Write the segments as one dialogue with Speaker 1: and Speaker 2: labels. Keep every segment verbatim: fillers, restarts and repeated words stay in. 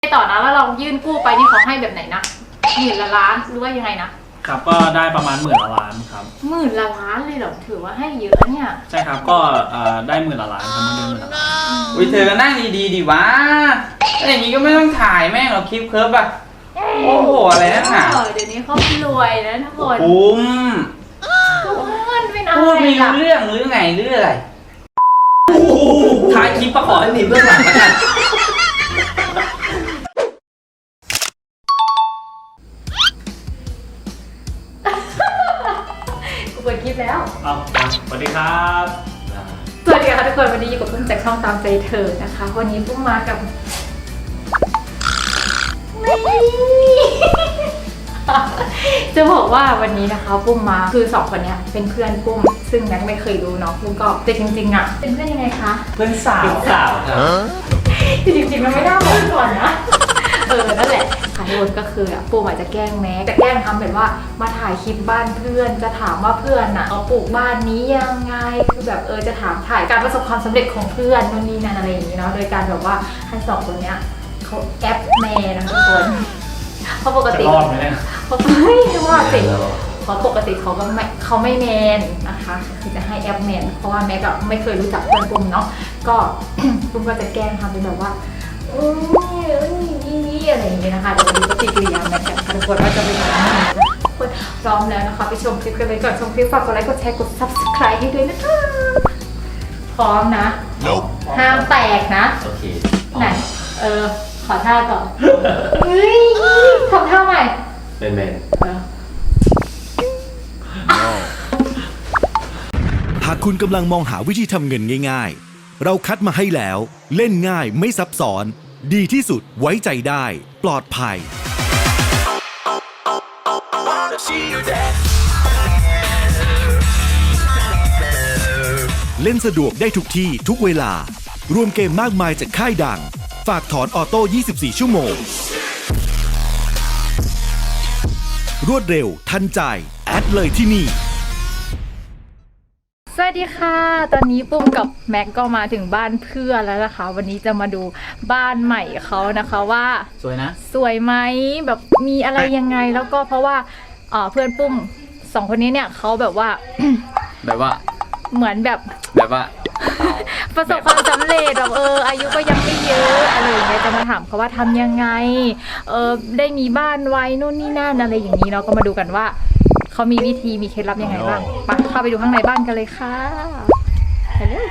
Speaker 1: ต่อนะแล้วเรายื่นกู้ไปนี่เขาให้แบบไหนนะหมื่นละล้านหรือว่ายังไงนะครับ
Speaker 2: ก็ได้ประมาณหมื่นละล้านครับ
Speaker 1: หมื่นละล้านเลยเหรอถือว่าให้เยอะเนี่ย
Speaker 2: ใช่ครับก็ได้หมื่นละล้านครับเงินเดือนหมื่นละล้าน
Speaker 3: อุ้ยเธอก็นั่งดีๆดิวะถ้าอย่างนี้ก็ไม่ต้องถ่ายแม่งหรอกคลิปเคิร์ฟอะโอ้โหอะไรนั่นน่ะ
Speaker 1: เดี๋ยวนี้เขารวยนะทุกคน
Speaker 3: คุ้ม
Speaker 1: เงินเป็นอะไร
Speaker 3: พูดไม่รู้เรื่องหรือไงหรืออะไรถ่ายคลิปประขอให้มีเพื่อนหลังแล้วกัน
Speaker 1: กูเปิดคลิปแล้ว
Speaker 2: เอาสวัสดีครับ
Speaker 1: สวัสดีค่ะทุกคนวันนี้อยู่กับปุ้มจากช่องตามใจเธอนะคะวันนี้ปุ้มมากับจะบอกว่าวันนี้นะคะปุ้มมาคือสองคนนี้เป็นเพื่อนปุ้มซึ่งแม็กไม่เคยรู้เนาะปุ้มก็แต่จริงๆอ่ะเป็นเพื่อนยังไงคะ
Speaker 3: เพื่อนสาวสาวครับ
Speaker 1: จริงๆมันไม่น่าบอกก่อนนะเออนั่นแหละค่ะทุกคนก็คือปุ้มอาจจะแกล้งแม็กจะแกล้งทำแบบว่ามาถ่ายคลิปบ้านเพื่อนจะถามว่าเพื่อนอ่ะเขาปลูกบ้านนี้ยังไงคือแบบเออจะถามถ่ายการประสบความสำเร็จของเพื่อนนู่นนี่นั่นอะไรอย่างนี้เนาะโดยการแบบว่าให้สองคนเนี้ยเขาแอปแมนนะทุกคนเพราะปกติเขาไม่ว่าสิเพราะปกติเขาก็ไม่เขาไม่แมนนะคะคือจะให้แอปแมนเพราะว่าแม็กก็ไม่เคยรู้จักเพื่อนปุ้มเนาะก็ปุ้มก็จะแกล้งทำเป็นแบบว่าอืมนี่อะไรอย่างเงี้ยนะคะเดี๋ยวดูปฏิกิริยาแม็กกันทุกคนว่าจะเป็นยังไงทุกคนพร้อมแล้วนะคะไปชมคลิปกันเลยก่อนชมคลิปฝากกดไลค์กดแชร์กด ซับสไครบ์ ให้ด้วยนะคะพร้อมนะห้ามแตกนะ
Speaker 3: โอเค
Speaker 1: ไหนเออขอท่าก่อนเฮ้ยทำท่าใหม่
Speaker 3: เป็นแมน
Speaker 4: หากคุณกำลังมองหาวิธีทำเงินง่ายๆเราคัดมาให้แล้วเล่นง่ายไม่ซับซ้อนดีที่สุดไว้ใจได้ปลอดภัยเล่นสะดวกได้ทุกที่ทุกเวลารวมเกมมากมายจากค่ายดังฝากถอนออโต้ยี่สิบสี่ชั่วโมงรวดเร็วทันใจแอดเลยที่นี่
Speaker 1: สวัสดีค่ะตอนนี้ปุ้มกับแม็กก็มาถึงบ้านเพื่อนแล้วนะคะวันนี้จะมาดูบ้านใหม่เขานะคะว่า
Speaker 3: สวยนะ
Speaker 1: สวยไหมแบบมีอะไรยังไงแล้วก็เพราะว่าเพื่อนปุ้มสองคนนี้เนี่ยเขาแบบว่า
Speaker 3: แบบว่า
Speaker 1: เหมือนแบบ
Speaker 3: แบบว่า
Speaker 1: ประสบความสำเร็จแบบเอออายุก็ยังไม่เยอะอะไรอย่างเงี้ยจะมาถามเขาว่าทำยังไงเออได้มีบ้านไว้นู่นนี่นั่นอะไรอย่างนี้เนาะก็มาดูกันว่าเขามีวิธีมีเคล็ดลับยังไงบ้างไปเข้าไปดูข้างในบ้านกันเลยค่ะไปเลย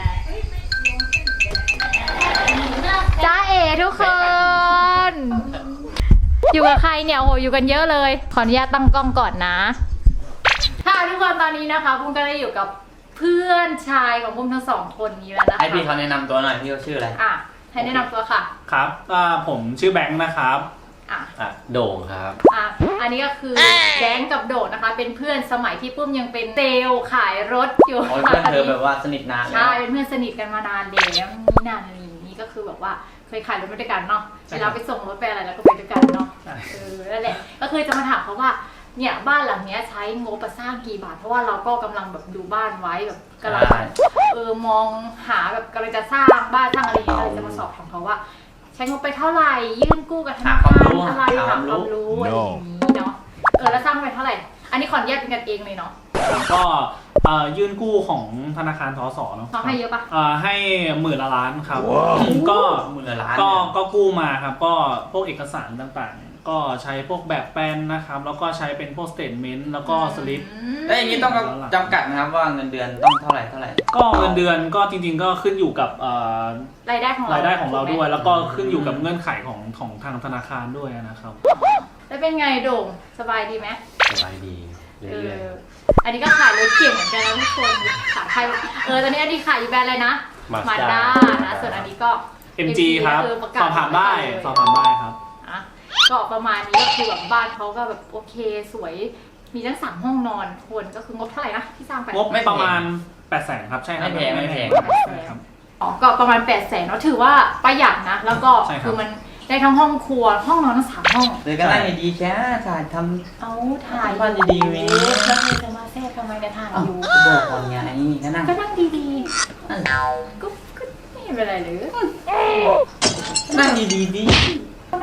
Speaker 1: จ้าเอ๋ทุกคนอยู่กับใครเนี่ยโอ้โหอยู่กันเยอะเลยขออนุญาตตั้งกล้องก่อนนะค่ะทุกคนตอนนี้นะคะปุ้มก็ได้อยู่กับเพื่อนชายของปุ้มทั้งสองคนนี้แล้วนะคะ
Speaker 3: ให้พี่เขาแนะนำตัวหน่อยพี่เขาชื่ออะไร
Speaker 1: อ่ะให้แนะนำตัวค่ะ
Speaker 2: ครับผมชื่อแบงค์นะครับ
Speaker 1: อ่ะ
Speaker 3: อ่ะโด่งครับ
Speaker 1: อ่ะอันนี้ก็คือแบงค์กับโด่งนะคะเป็นเพื่อนสมัยที่ปุ้มยังเป็นเซลล์ขายรถอยู่
Speaker 3: เพื่อนเธอแบบว่าสนิทนาน
Speaker 1: ใช่เป็นเพื่อนสนิทกันมานานแล้วนี่นานอะไรอย่างนี้ก็คือแบบว่าเคยขายรถด้วยกันเนาะเวลาไปส่งรถไปอะไรแล้วก็ไปด้วยกันเนาะเออนั่นแหละก็คือจะมาถามเขาว่าเนี่ยบ้านหลังนี้ใช้งบประสร้างกี่บาทเพราะว่าเราก็กำลังแบบดูบ้านไว้แบบกำลังเออมองหาแบบกำลังจะสร้างบ้านสร้างอะไรอย่างเงี้ยเลยจะมาสอบถามเขาว่าใช้งบไปเท่าไหร่ยื่นกู้กับธนาคารอะไรถามความรู้อะไรอย่างนี้เนาะเออแล้วสร้างไปเท่าไหร่อันนี้ขออนุญาตเป็นกันเองเลยเนาะ
Speaker 2: ก็ยื่นกู้ของธนาคารทสเนาะ
Speaker 1: เขาให้เยอะปะ
Speaker 2: ให้หมื่นละล้านครับก็
Speaker 3: หมื่นละล้าน
Speaker 2: ก็ก็กู้มาครับก็พวกเอกสารต่างๆก็ใช้พวกแบบแปลนนะครับแล้วก็ใช้เป็นพวกสเตทเมนต์แล้วก็สลิป
Speaker 3: แล้วอย่างนี้ต้องจำกัดนะครับว่าเงินเดือนต้องเท่าไหร่เท่าไหร่
Speaker 2: ก็เงินเดือนก็จริงๆก็ขึ้นอยู่กับ
Speaker 1: รายได้ของ
Speaker 2: รายได้ของเราด้วยแล้วก็ขึ้นอยู่กับเงื่อนไขของของทางธนาคารด้วยนะครับ
Speaker 1: แล้วเป็นไงโด่งสบายดีไหม
Speaker 3: สบายดีเรื่อย
Speaker 1: ๆอันนี้ก็ขายรถเก่งเหมือนกันนะทุกคนขายใครเออตอนนี้อันนี้ขายอยู่แบรนด์อะไรนะมาด้านะส่วนอันนี้ก็
Speaker 2: เอ็ม จี ครับสอบถามได้สอบถามได้ครับ
Speaker 1: ก็ประมาณนี้ก็คือแบบบ้านเขาก็แบบโอเคสวยมีทั้งสามห้องนอนคนก็คืองบเท่าไหร่นะที่สร้างไป
Speaker 2: งบไม่ประมาณแปดแสนครับใช่ครับ
Speaker 3: ไม่แพงไม่แพง
Speaker 2: ครับ
Speaker 1: อ๋อก็ประมาณแปดแสนเนาะถือว่าประหยัดนะแล้วก็คือมันได้ทั้งห้องครัวห้องนอนทั้งสามห้อง
Speaker 3: เดี๋ยวก็ได้ดีแค่ถ่ายท
Speaker 1: ำเอาถ่าย
Speaker 3: บ้านดีๆวิ
Speaker 1: แล้วจะมาแทรกทำไมเนี่ยถ่ายอยู่
Speaker 3: บอกก่อนไงก็นั่ง
Speaker 1: ก็นั่งดีๆก็ก็ไม่เป็นไรหรือ
Speaker 3: นั่งดีๆดิ
Speaker 1: นั่ง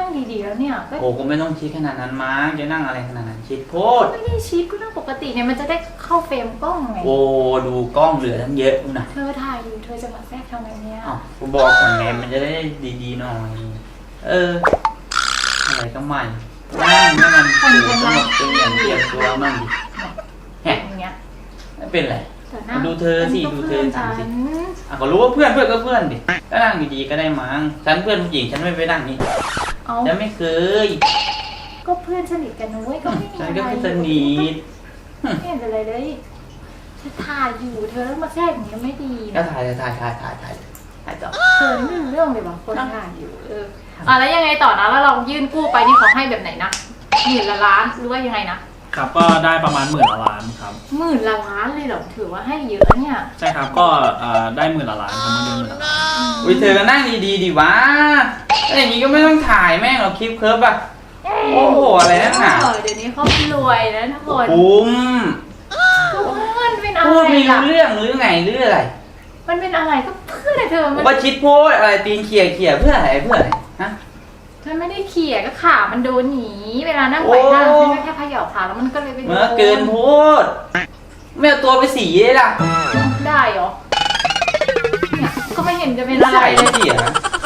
Speaker 1: งดีๆแล้วเนี่ยก็
Speaker 3: โอ้ก็ไม่ต้องชิดขนาดนั้นมั้งจะนั่งอะไรขนาดนั้นชิดโพด
Speaker 1: ไม่ได้ชิดก็นั่งปกติเนี่ยมันจะได้เข้าเฟรมกล้องไง
Speaker 3: โอ้ดูกล้องเหลือทั้งเยอะนะ
Speaker 1: เธอถ่ายอยู่เธอจะมาแทรกทำไมเนี่ย
Speaker 3: อ้าวกูบอกก่อนไงมันจะได้ดีๆหน่อย เอออะไรก็ไม่นั่งให้มันถูกสงบเป็นอย่างเดียวตัวมั่งดิแฮะ
Speaker 1: อย่างเงี้ย
Speaker 3: ไม่เป็นไร
Speaker 1: แต่หน้า
Speaker 3: ดูเธอสิดูเธอสิ
Speaker 1: ฉัน
Speaker 3: อ่ะก็รู้ว่าเพื่อนเพื่อนก็เพื่อนดิก็นั่งดีๆก็ได้มั้งฉันเพื่อนผู้หญิงฉันไม่ไปนั่งนี่
Speaker 1: เอา
Speaker 3: ฉันไม่เคย
Speaker 1: ก็เพื่อนสนิทกันนะเว้ยก็ไม่มี
Speaker 3: ฉัน
Speaker 1: อะไร
Speaker 3: ก็คือสนิท
Speaker 1: ไม่เห็นอะไรเลยฉันถ่ายอยู่เธอแล้วมาแทรกอย่างนี้ไม่ดี
Speaker 3: ก็
Speaker 1: นะ
Speaker 3: ถ่ายถ่ายถ่ายถ่ายถ่ายถ่ายต่อ
Speaker 1: เธอไม่รู้เรื่องเลยว่ะคนถ่ายอยู่เอออ่ะแล้วยังไงต่อนะแล้วเรายื่นกู้ไปนี่เขาให้แบบไหนนะหมื่นละล้านหรือว่ายังไงนะครับ
Speaker 2: ก็ได้ประมาณหมื่นละล้านครับ
Speaker 1: หมื่นละล้านเลยเหรอถือว่าให้เยอะนะเนี่ย
Speaker 2: ใช่ครับก็เอ่อได้หมื่นละล้านครับเงินเดือนหมื่นละล้าน
Speaker 3: อุ้ยเธอก็นั่งดีๆดิวะถ้าอย่างนี้ก็ไม่ต้องถ่ายแม่งหรอกคลิปเคิร์ฟอะโอ้โหอะไรนักหนา
Speaker 1: เออเดี๋ยวนี้เขารวยนะทุกคน
Speaker 3: คุ้ม
Speaker 1: ก็มันเป็นอะไร
Speaker 3: พูดไม่รู้
Speaker 1: ล่ะ
Speaker 3: เรื่องหรือไงหรืออะไร
Speaker 1: มันเป็นอะไรก็เพื่อนเธอมัน
Speaker 3: ว่าชิดโพดอะไรตีนเขี่ยเขี่ยเพื่ออะไรเพื่ออะไรฮะ
Speaker 1: เธอไม่ได้เขี่ยก็ขามันโดนหนีเวลานั่งไปนั่ง
Speaker 3: โอ้
Speaker 1: ฉันก็แค่เขย่าขาแล้วมันก็เลยไปโดน
Speaker 3: เมื่อเกินโพดไม่เอาตัวไปสีเลยล่ะ
Speaker 1: ได้เหรอเนี่ยก็ไม่เห็นจะเป็นอะไร
Speaker 3: ใส่
Speaker 1: เลย
Speaker 3: เสีย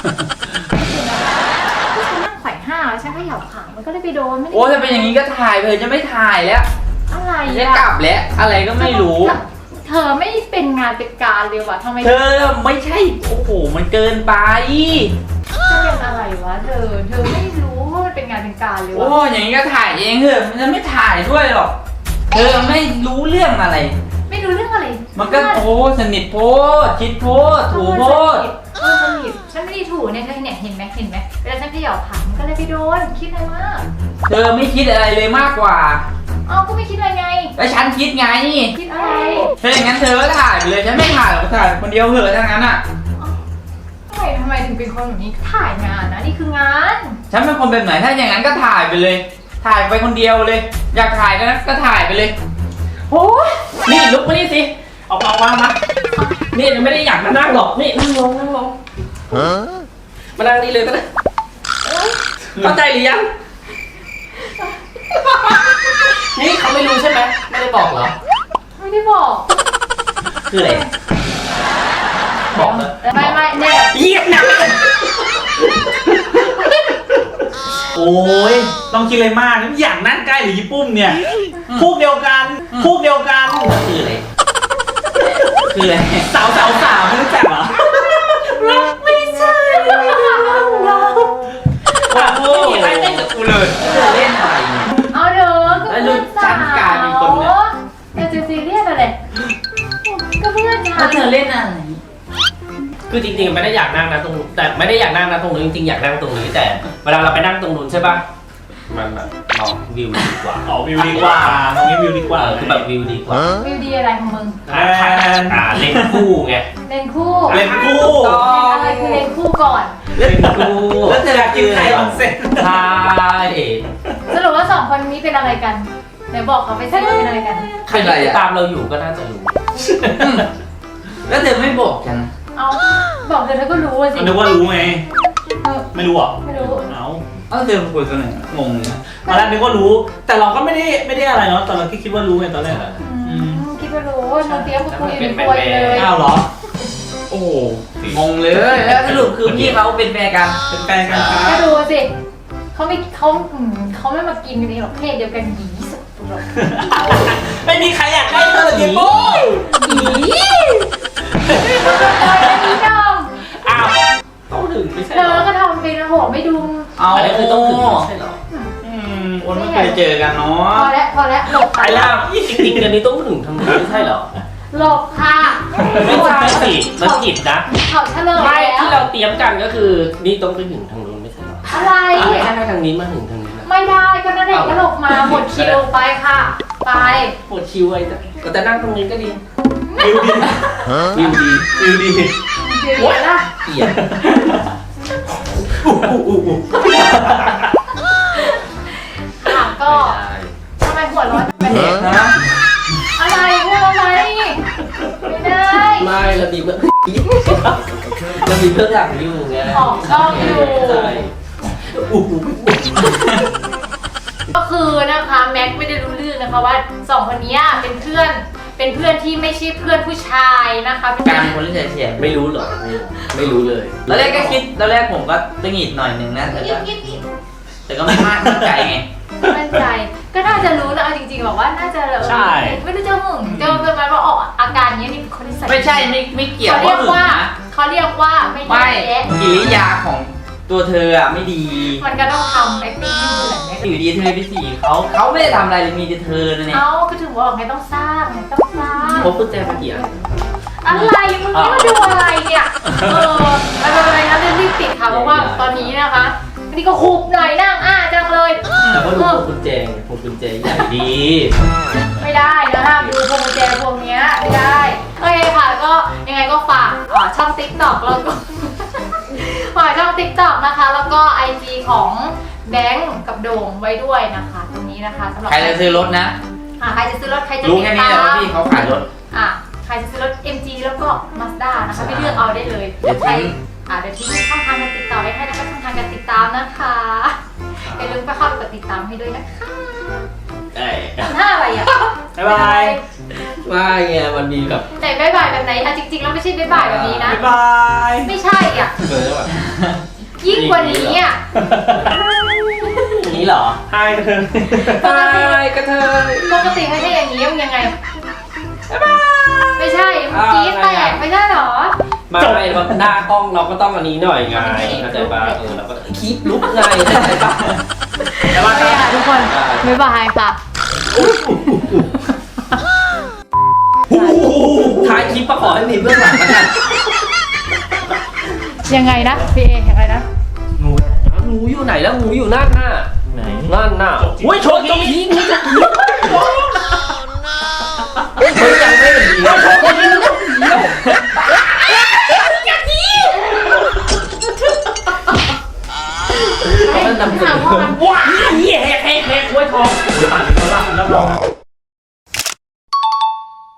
Speaker 1: ก็ฉันนั่งไขว่ห้างแล้วฉันเขย่าขามันก็เลยไปโดนไม่ได้
Speaker 3: โอ้ถ้าเป็นอย่างนี้ก็ถ่ายไปเถอะจะไม่ถ่ายแล้ว
Speaker 1: อะไร
Speaker 3: จะ
Speaker 1: อะ
Speaker 3: กลับแล้วอะไรก็ไม่รู้
Speaker 1: เธอไม่เป็นงานเป็นการเลยว่ะทำไม
Speaker 3: เธอไม่ใช่โอ้โหมันเกินไป
Speaker 1: จะเป็นอะไรวะเธอ เธอไม่รู้ว่ามันเป็นงานเป็นการเลย
Speaker 3: โอ้
Speaker 1: วะ
Speaker 3: อย่างนี้ก็ถ่ายเองเถอะมันจะไม่ถ่ายด้วยหรอกเธอไม่รู้เรื่องอะไร
Speaker 1: ไม่รู้เรื่องอะไร
Speaker 3: มันก็โอ้สนิทโพดชิดโพดถูโพด
Speaker 1: เออสนิทฉันไม่ได้ถูเนี่ยเธอเนี่ยเห็นไหมเห็นไหมเวลาฉันเขย่าขามันก็เลยไปโดนคิดอะไรมาก
Speaker 3: เธอไม่คิดอะไรเลยมากกว่า
Speaker 1: เอ้าก็ไม่คิดอะไรไง
Speaker 3: แล้วฉันคิดไง
Speaker 1: คิดอะไร
Speaker 3: ถ้าอย่างนั้นเธอก็ถ่ายไปเลยฉันไม่ถ่ายหรอกถ่ายคนเดียวเหอะทั้งนั้นอ่ะ
Speaker 1: ทำไมทำไมถึงเป็นคนแบบนี้ถ่ายงานนะนี่คืองาน
Speaker 3: ฉันเป็นคนแบบไหนถ้าอย่างนั้นก็ถ่ายไปเลย ถ่ายไปคนเดียวเลย อยากถ่ายก็นะก็ถ่ายไปเลยโอ้ยนี่ลุกมานี่สิ
Speaker 2: เอาเอาวางมา
Speaker 5: นี่ไม่ได้อยากมานั่งหรอก นี่นั่งลงนั่งลงมานั่งนี่เลยก็ได้เข้าใจหรือยัง นี่เขาไม่รู้ใช่ไหมไม่ได้บอกเหรอ
Speaker 1: ไม่ได้บอก
Speaker 5: คืออะไร บอกเลย
Speaker 1: ไม่ไม่เนี่ย
Speaker 5: เยี่ยมนะ
Speaker 2: โอ้ยต้องคิดอะไรมากอยากนั่งใกล้หรือญี่ปุ่มเนี่ยพวกเดียวกันพวกเดียวกัน
Speaker 5: คืออะไร
Speaker 3: คืออะไร
Speaker 2: สาวสาวสาวไม่รู้จักเหรอ
Speaker 1: ไม่ใช่เรา
Speaker 5: ว่าไม่มีใครเต้นกับกูเลย
Speaker 3: เธอเล่นอะไรเนี่ย
Speaker 1: เอาเด้อก็
Speaker 3: แล้ว
Speaker 1: เพื่อน
Speaker 3: ฉั
Speaker 1: สาน
Speaker 3: กลายเป็นคนเนี่ย
Speaker 1: วแต่จะซีเรียสอะไรก็เพื่อนฉั
Speaker 3: แล้ว
Speaker 1: น
Speaker 3: เธอเล่นอะไร
Speaker 5: คือจริงๆไม่ได้อยากนั่งนะตรงแต่ไม่ได้อยากนั่งนะตรงนู้นจริงๆอยากนั่งตรงนี้แต่เวลาเราไปนั่งตรงนู้นใช่ป่ะมันแบบมองวิวดีกว่า
Speaker 2: อ๋อวิวดีกว่าตรงนี้วิวดีกว่า
Speaker 5: เออคือแบบวิวดีกว่า
Speaker 1: วิวดีอะไรของมึง
Speaker 5: อ่าอ่าเล่นคู่ไง
Speaker 1: เลนคู่
Speaker 2: เล่นคู่
Speaker 1: เลนอะไรคือเลนคู่ก่อน
Speaker 5: เล่นคู่
Speaker 2: แล้วเธออยากกินไข่ออนเซ็น
Speaker 5: ใช่
Speaker 1: สรุปว่าสองคนนี้เป็นอะไรกันไหนบอกเขาไปสิว่าเป็นอะไรกัน
Speaker 5: ใครที่ติดตามเราอยู่ก็น่าจะรู้
Speaker 3: อืมแล้วเธอไม่บอกฉัน
Speaker 1: เอาบอกเธอเธอก็รู้สิ
Speaker 2: มันนึกว่ารู้ไง
Speaker 1: เออ
Speaker 2: ไม่รู้เหรอ
Speaker 1: ไม่รู้
Speaker 2: เอา
Speaker 3: เอ้าเธอมาคุยกันหน่อยงงเลยนะ
Speaker 2: ตอนแรกนึกว่ารู้ แต่เราก็ไม่ได้ไม่ได้อะไรเนาะตอนเราคิดว่ารู้ไงตอนแรกอะ
Speaker 1: อืมคิดว่ารู้เราเตรียมกับคุยอยู่ในครัวเลย
Speaker 2: อ้าวเหรอ
Speaker 3: โอ้โหงงเลยแล้วสรุปคือพี่เขาเป็นแฟนกัน
Speaker 2: เป็นแฟนกันครั
Speaker 1: ก็
Speaker 2: บ
Speaker 1: ดูสิเขาไม่เขาอืมเขาไม่มากินกันเองหรอกเพศเดียวกันหยีสุดหรอก
Speaker 2: ไม่มีใครอยากได้เธอเลยญี่ปุ่น
Speaker 1: หยีไม่ต้องมาคอยอันนี้ดอม
Speaker 5: อ้าวต้องถึงไม่ใช่
Speaker 1: เธ
Speaker 5: เหร
Speaker 1: อ
Speaker 5: อ
Speaker 1: ก็ทำเป็นโหไม่ดู
Speaker 3: เอา
Speaker 5: อันนี้คือต้องถึงไม่ใช่เหรอ
Speaker 3: อืมคนไม่เคยเจอกันเนา
Speaker 1: พ
Speaker 3: ะ
Speaker 1: อแล้วพอแล้วหลบ
Speaker 5: ไอ้ล่าจริงๆอันนี้ต้องถึงทางนู้นไม่ใช่เหรอ
Speaker 1: หลบค่ะ
Speaker 5: ไม่ใช่สิมันผิดนะ
Speaker 1: เขาเฉลย
Speaker 5: ไม่
Speaker 1: แล้ว
Speaker 5: ที่เราเตรียมกันก็คือนี่ต้องไปถึงทางนู้นไม่ใช่เหรอ
Speaker 1: อะไร
Speaker 5: ไม่ใช่ทางนี้มาถึงทางนี้นะ
Speaker 1: ไม่ได้ก็นั่นเองก็หลบมาหมดคิวไปค่ะ ไป
Speaker 5: ปวดคิวไอ้ก็จะนั่งตรงนี้ก็ดี
Speaker 2: วิวดี
Speaker 5: วิวดี
Speaker 2: วิวดี
Speaker 1: เดี๋ยวนะ
Speaker 5: เกลียด
Speaker 1: ค่ะก็ทำไมหัวร้อนแบบนี้
Speaker 3: ฮะ
Speaker 1: อะไรพูดอะไรไม่ได้
Speaker 5: ไม่เรามีเพื่อนเรามีเพื่อนอยากอยู่ไง
Speaker 1: ออกกล้องอยู่
Speaker 5: ใช่
Speaker 1: ก็คือนะคะแม็กไม่ได้รู้เรื่องนะคะว่าสองคนนี้เป็นเพื่อนเป็นเพื่อนที่ไม่ใช่เพื่อนผู้ชายนะคะเป็น
Speaker 3: การคนที่เฉียด
Speaker 5: ไม่รู้เหรอไม่รู้ไม่รู้เลย
Speaker 3: ๆตอนแรกก็คิดตอนแรกผมก็ตึงหิดหน่อยหนึ่งนะแต่ก็แต่ก็ไม่มากมั่นใจไง
Speaker 1: มั่นใจก็น่าจะรู้นะเอาจริงๆบอกว่าน่าจะเออ
Speaker 2: ใช่
Speaker 1: ไม่รู้จะหึงจะประมาณว่าออกอาการนี้นี่คนที่ใส่
Speaker 3: ไม่ใช่ไม่ไม่เกี่ยว
Speaker 1: เขาเรียก
Speaker 3: หึง
Speaker 1: ว่า
Speaker 3: นะ
Speaker 1: เขาเรียกว่าไม่
Speaker 3: ไม่
Speaker 1: แย่
Speaker 3: กิริยาของตัวเธออ่ะไม่ดี
Speaker 1: มันก็ต้องทำ acting ให้เหมือนเนี่ย
Speaker 3: อยู่ดีเธอไปสีเขาเขาไม่ได้ทำอะไรเลยมีแต่เธอนะเนี่ย
Speaker 1: เอ้าก็ถึงบอกไงต้องสร้างไงต้องสร้าง
Speaker 5: พบกุญแจมากี่อัน
Speaker 1: อะไรมึงนี่มาดูอะไรเนี่ยเออไม่เป็นไรนะเรื่องรีบปิดค่ะเพราะว่าตอนนี้นะคะนี่ก็หุบหน่อยนั่งอ้าจังเลย
Speaker 5: แต่ก็ดูพวงกุญแจไงพวงกุญแจใหญ่ดี
Speaker 1: ไม่ได้นะห้ามดูพวงกุญแจพวงเนี้ยไม่ได้โอเคค่ะก็ยังไงก็ฝากเอ่อช่อง ติ๊กต็อก แล้วก็ ฝากช่อง ติ๊กต็อก นะคะ แล้วก็ ไอ จี ของแบงค์กับโด่งไว้ด้วยนะคะ ตรงนี้นะคะสำหรับ
Speaker 3: ใครจะซื้อรถนะ
Speaker 1: อ่ะใครจะซื้อรถใครจะ
Speaker 3: รู้
Speaker 1: ติด
Speaker 3: แค่นี้
Speaker 1: ตา
Speaker 3: แหละว่าม พี่เขาขายรถ
Speaker 1: อ่ะใครจะซื้อรถ เอ็ม จี แล้วก็ Mazda นะคะไปเลือกเอาได้เลย
Speaker 3: เดี๋ยวทิ้ง
Speaker 1: ใครอ่ะเดี๋ยวทิ้งช่องทางการติดต่อไว้ให้แล้วก็ช่องทางการติดตามนะคะอย่าลืมไปเข้าไปกดติดตามให้ด้วยนะคะ
Speaker 5: เอ้ย
Speaker 1: ทำท่าอะไรอ่ะ
Speaker 2: บ๊ายบาย
Speaker 5: ว่าไงมันมีแบบ
Speaker 1: ไหนบ๊ายบายแบบไหนอ่ะจริงๆแล้วไม่ใช่บ๊ายบายแบบนี้นะ
Speaker 2: บ๊ายบาย
Speaker 1: ไม่ใช่อ่ะ
Speaker 5: เหมือนแบบ
Speaker 1: ยิ่งกว่านี้อ่ะ
Speaker 3: นี้เหรอ
Speaker 2: ไฮกระเทย
Speaker 1: ปกติ
Speaker 5: กระเทย
Speaker 1: ปกติไม่ใช่อย่างนี้มันยังไงไม่ใช่มันกรี๊ดแตกไม่ใช่หรอ
Speaker 5: ไมาไม่แบบหน้ากล้องเราก็ต้องอันนี้หน่อยไงเข้าใจป่ะเออเราก็คลิปลุกไงเข้าใจป่ะ
Speaker 2: บ๊ายบาย
Speaker 1: โอเคค่ะทุกคนบ๊ายบายค่ะ
Speaker 5: ท้ายคลิปก็ขอให้มีเบื้องหลังแล้วกัน
Speaker 1: ยังไงนะพี่เอยังไงนะ
Speaker 5: งูงูอยู่ไหนแล้วงูอยู่นั่นน่ะ
Speaker 2: ไหน
Speaker 5: นั่นน่ะโอ้ยโชว์จงพีงูจงพีมันยังไม่เห็นดีโชว์จงพีงูมันนำเสนอว้าเหี้ยแหกแหกแหกไว้ทอง
Speaker 2: อ่านแล้วรับรอง